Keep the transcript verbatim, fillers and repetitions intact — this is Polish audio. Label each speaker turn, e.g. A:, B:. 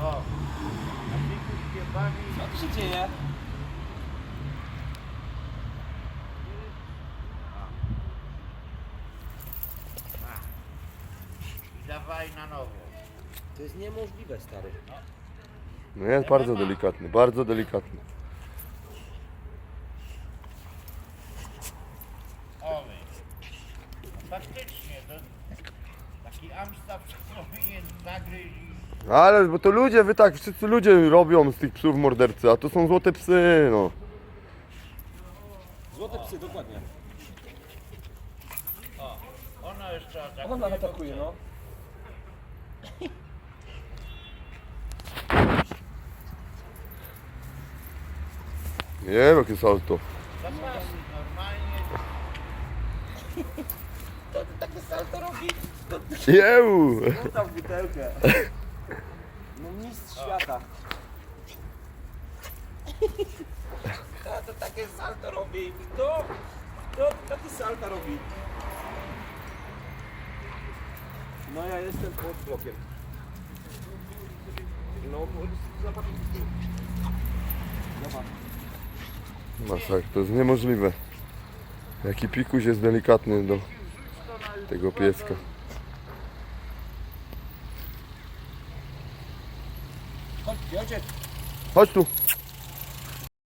A: O, a Pikuś się bawi.
B: Co tu się dzieje?
A: I dawaj na nowo.
B: To jest niemożliwe, stary.
C: No jest bardzo delikatny, bardzo delikatny.
A: Owy. No faktycznie, to taki Amstaff powinien zagryźć i...
C: Ale bo to ludzie, wy tak, wszyscy ludzie robią z tych psów mordercy, a to są złote psy, no.
B: Złote psy, dokładnie.
A: O, ono jeszcze atakuje.
B: Ona atakuje, no.
C: Nie wiem jakie salto.
A: Zapasy normalnie.
B: To ty takie salto robi?
C: Jeuu!
B: Rzuca w butelkę. No mistrz świata. Kto to takie salto robi? Kto? Kto takie salto robi? No ja jestem pod blokiem. No, zobacz. Zobacz.
C: Masak, to jest niemożliwe. Jaki Pikuś jest delikatny do tego pieska.
B: Chodź, ojciec.
C: Chodź tu.